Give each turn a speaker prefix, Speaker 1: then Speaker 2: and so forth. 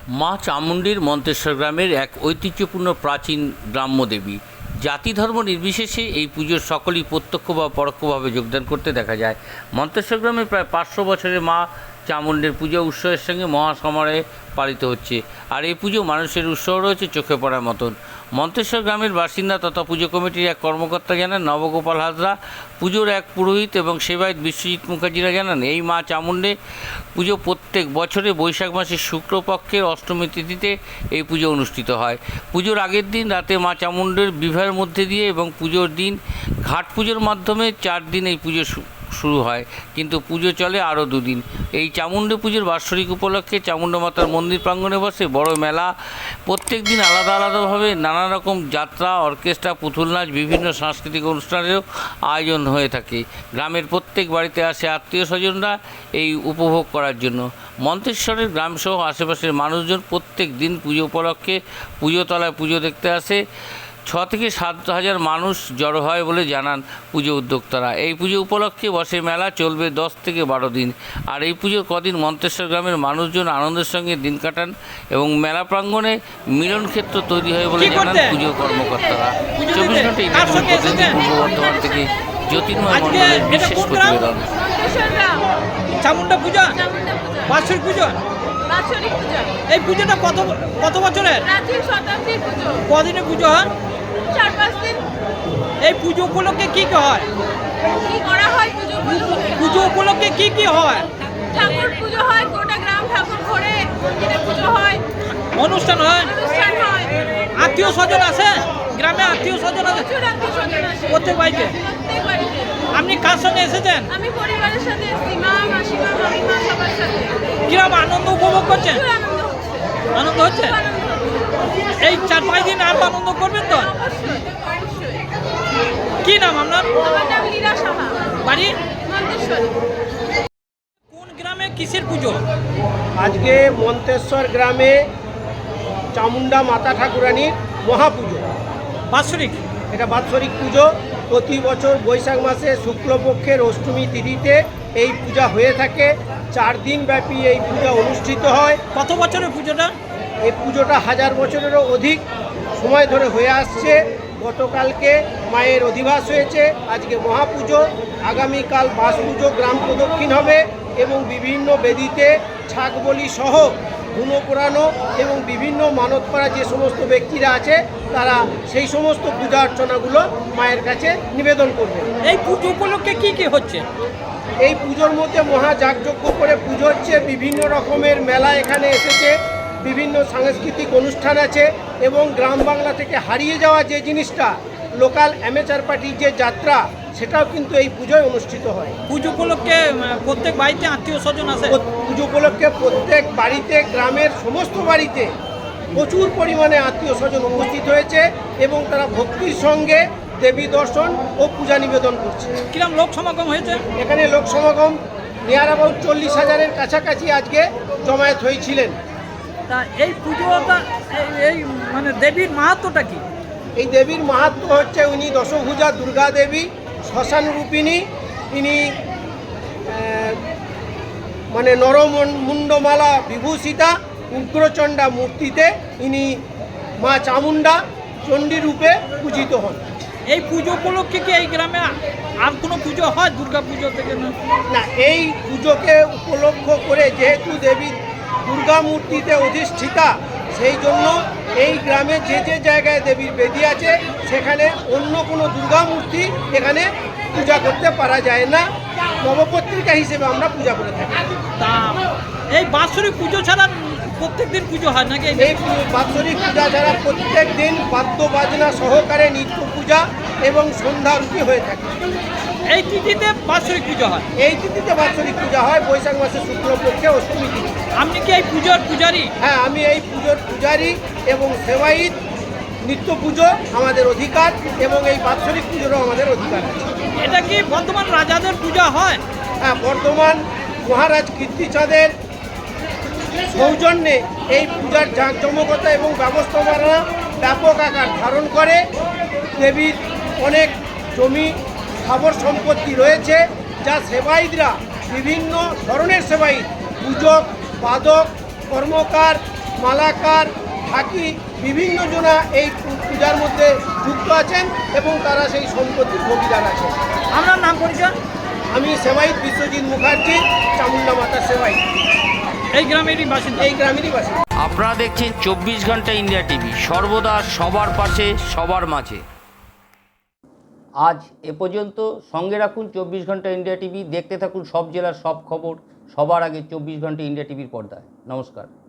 Speaker 1: মা চামুণ্ডীর মন্তেশ্বর গ্রামের এক ঐতিহ্যপূর্ণ প্রাচীন গ্রাম্য দেবী। জাতি ধর্ম নির্বিশেষে এই পুজোর সকলেই প্রত্যক্ষ বা পরোক্ষভাবে যোগদান করতে দেখা যায়। মন্তেশ্বর গ্রামে প্রায় 500 বছরের মা চামুণ্ডীর পুজো উৎসবের সঙ্গে মহাসমারোহে পালিত হচ্ছে। আর এই পুজো মানুষের উৎসব রয়েছে চোখে পড়ার মতন। মন্তেশ্বর গ্রামের বাসিন্দা তথা পুজো কমিটির এক কর্মকর্তা জানান, নবগোপাল হাজরা, পুজোর এক পুরোহিত এবং সেবায়ত বিশ্বজিৎ মুখার্জিরা জানান, এই মা চামুণ্ডী পুজো প্রত্যেক বছরে বৈশাখ মাসের শুক্লপক্ষের অষ্টমী তিথিতে এই পুজো অনুষ্ঠিত হয়। পুজোর আগের দিন রাতে মা চামুণ্ডীর বিবাহের মধ্যে দিয়ে এবং পুজোর দিন ঘাট পুজোর মাধ্যমে 4 দিন এই পুজো শুরু হয়, কিন্তু পুজো চলে আরও 2 দিন। এই চামুণ্ডী পুজোর বাৎসরিক উপলক্ষে চামুণ্ডা মাতার মন্দির প্রাঙ্গণে বসে বড় মেলা। প্রত্যেক দিন আলাদা আলাদাভাবে নানা রকম যাত্রা, অর্কেস্ট্রা, পুতুল নাচ, বিভিন্ন সাংস্কৃতিক অনুষ্ঠানেরও আয়োজন হয়ে থাকে। গ্রামের প্রত্যেক বাড়িতে আসে আত্মীয় স্বজনরা এই উপভোগ করার জন্য। মন্তেশ্বরের গ্রামসহ আশেপাশের মানুষজন প্রত্যেক দিন পুজো উপলক্ষে পুজোতলায় পুজো দেখতে আসে। 6 থেকে 7 হাজার মানুষ জড়ো হয় বলে জানান পুজো উদ্যোক্তারা। এই পুজো উপলক্ষে বসে মেলা, চলবে 10 থেকে 12 দিন। আর এই পুজোর কদিন মন্তেশ্বর গ্রামের মানুষজন আনন্দের সঙ্গে দিন কাটান এবং মেলা প্রাঙ্গণে মিলন ক্ষেত্র তৈরি হয় বলে জানান পুজো কর্মকর্তারা। 24 ঘন্টা প্রতিদিন পূর্ব বর্ধমান থেকে জ্যোতির্ময় মণ্ডলের বিশেষ প্রতিবেদন।
Speaker 2: চামুণ্ডা পূজা, বাৎসরিক পূজা। এই পুজোটা কত বছরের? কদিনে পুজো হয়?
Speaker 3: 4-5 দিন।
Speaker 2: এই পুজো উপলক্ষে কি কি হয়?
Speaker 3: কি করা হয়
Speaker 2: পুজো উপলক্ষে কি কি হয়?
Speaker 3: ঠাকুর পুজো হয়, গোটা গ্রাম ঠাকুর ঘরে মন্দিরে পুজো হয়,
Speaker 2: অনুষ্ঠান হয়,
Speaker 3: অনুষ্ঠান হয়।
Speaker 2: আত্মীয় স্বজন আছে, গ্রামে আত্মীয় স্বজন আছে
Speaker 3: প্রচুর আত্মীয়স্বজন আসে
Speaker 2: প্রত্যেক বাড়িতে।
Speaker 3: প্রত্যেক বাড়িতে।
Speaker 2: আপনি কার সঙ্গে এসেছেন?
Speaker 3: আমি পরিবারের সাথে এসেছি, মা, মাসিমা, মামিমা, সবার সাথে।
Speaker 2: কিরকম আনন্দ উপভোগ করছেন?
Speaker 3: প্রচুর আনন্দ হচ্ছে।
Speaker 2: আনন্দ হচ্ছে?
Speaker 3: খুব আনন্দ হচ্ছে।
Speaker 2: এই 4-5 দিন আরো আনন্দ করবেন তো?
Speaker 3: অবশ্যই, অবশ্যই।
Speaker 2: কি নাম আপনার?
Speaker 3: আমার নাম লীরা সাহা,
Speaker 2: বাড়ি
Speaker 3: মন্তেশ্বরী।
Speaker 2: কোন গ্রামে কিসের পুজো?
Speaker 4: আজকে মন্তেশ্বর গ্রামে চামুণ্ডা মাতা ঠাকুরানীর মহাপুজো।
Speaker 2: বাৎসরিক?
Speaker 4: এটা বাৎসরিক পুজো। প্রতি বছর বৈশাখ মাসে শুক্লপক্ষের অষ্টমী তিথিতে এই পূজা হয়ে থাকে। 4 দিন ব্যাপী এই পূজা অনুষ্ঠিত হয়।
Speaker 2: কত বছরের পুজোটা?
Speaker 4: এই পুজোটা 1000 বছরেরও অধিক সময় ধরে হয়ে আসছে। গতকালকে মায়ের অধিবাস হয়েছে, আজকে মহাপুজো, আগামীকাল বাস পুজো, গ্রাম প্রদক্ষিণ হবে এবং বিভিন্ন বেদিতে ছাগ বলি সহ ধুনো পোড়ানো এবং বিভিন্ন মানত করা যে সমস্ত ব্যক্তিরা আছে তারা সেই সমস্ত পূজা অর্চনাগুলো মায়ের কাছে নিবেদন করবে।
Speaker 2: এই পুজো উপলক্ষে কি কি হচ্ছে?
Speaker 4: এই পুজোর মধ্যে মহাযাগযজ্ঞ করে পুজো হচ্ছে, বিভিন্ন রকমের মেলা এখানে এসেছে, বিভিন্ন সাংস্কৃতিক অনুষ্ঠান আছে এবং গ্রাম বাংলা থেকে হারিয়ে যাওয়া যে জিনিসটা, লোকাল অ্যামেচার পার্টির যে যাত্রা, সেটাও কিন্তু এই পুজোয় অনুষ্ঠিত হয়।
Speaker 2: পুজো উপলক্ষে প্রত্যেক বাড়িতে আত্মীয় স্বজন আছে?
Speaker 4: পুজো উপলক্ষে প্রত্যেক বাড়িতে, গ্রামের সমস্ত বাড়িতে প্রচুর পরিমাণে আত্মীয় স্বজন উপস্থিত হয়েছে এবং তারা ভক্তির সঙ্গে দেবী দর্শন ও পূজা নিবেদন করছে।
Speaker 2: কিরম লোক সমাগম হয়েছে?
Speaker 4: এখানে লোক সমাগম নিয়ার অ্যাবাউট 40,000-এর কাছাকাছি আজকে জমায়েত হয়েছিলেন।
Speaker 2: তা এই পুজোটা এই মানে দেবীর মাহাত্ম্যটা কি?
Speaker 4: এই দেবীর মাহাত্ম্য হচ্ছে, উনি দশভুজা দুর্গা দেবী, শ্মশান রূপিণী। ইনি মানে নরমুণ্ডমালা বিভূষিতা উগ্রচণ্ডা মূর্তিতে ইনি মা চামুণ্ডা চণ্ডী রূপে পূজিত হন।
Speaker 2: এই পুজো উপলক্ষে কি এই গ্রামে আর কোনো পুজো হয় দুর্গা পুজো থেকে?
Speaker 4: না, এই পুজোকে উপলক্ষ করে যেহেতু দেবী দুর্গা মূর্তিতে অধিষ্ঠিতা, সেই জন্য এই গ্রামে যে যে জায়গায় দেবীর বেদি আছে সেখানে অন্য কোনো দুর্গা মূর্তি এখানে পূজা করতে পারা যায় না। নবপত্রিকা হিসেবে আমরা পূজা করে থাকি।
Speaker 2: তা এই বাৎসরিক পুজো ছাড়া প্রত্যেক দিন পুজো হয় নাকি?
Speaker 4: এই বাৎসরিক পূজা ছাড়া প্রত্যেক দিন বাদ্য বাজনা সহকারে নিত্য পূজা এবং সন্ধ্যা আরতি হয়ে থাকে।
Speaker 2: এই তিথিতে বাৎসরিক পুজো হয়?
Speaker 4: এই তিথিতে বাৎসরিক পূজা হয়, বৈশাখ মাসের শুক্লপক্ষে অষ্টমী তিথি।
Speaker 2: আপনি কি এই পুজোর পূজারী?
Speaker 4: হ্যাঁ, আমি এই পুজোর পূজারী এবং সেবায়িত। নিত্য পুজো আমাদের অধিকার এবং এই বাৎসরিক পুজোরও আমাদের অধিকার আছে।
Speaker 2: এটা কি বর্তমান রাজাদের পূজা হয়?
Speaker 4: হ্যাঁ, বর্তমান মহারাজ কীর্তিচাঁদের সৌজন্যে এই পূজার জাঁকজমকতা এবং ব্যবস্থাপনা ব্যাপক আকার ধারণ করে। দেবীর অনেক জমি স্থাবর সম্পত্তি রয়েছে, যা সেবায়িতরা, বিভিন্ন ধরনের সেবায়িত, পূজক, বাদক, কর্মকার, মালাকার, ঢাকি বিভিন্ন জনা এই পূজার মধ্যে যুক্ত আছেন এবং তারা সেই সম্পত্তির ভোগীদার আছেন।
Speaker 2: আপনার নাম পরিচয়?
Speaker 4: আমি সেবাইত বিশ্বজিৎ মুখার্জি, চামুন্ডা মাতার সেবাইত,
Speaker 2: এই গ্রামেরই বাসিন্দা।
Speaker 4: এই গ্রামেরই বাসিন্দা।
Speaker 1: আপনারা দেখছেন 24 ঘন্টা ইন্ডিয়া টিভি, সর্বদা সবার পাশে সবার মাঝে। আজ এ পর্যন্ত। সঙ্গে রাখুন 24 ঘন্টা ইন্ডিয়া টিভি। দেখতে থাকুন সব জেলার সব খবর সবার আগে 24 ঘন্টা ইন্ডিয়া টিভির পর্দায়। নমস্কার।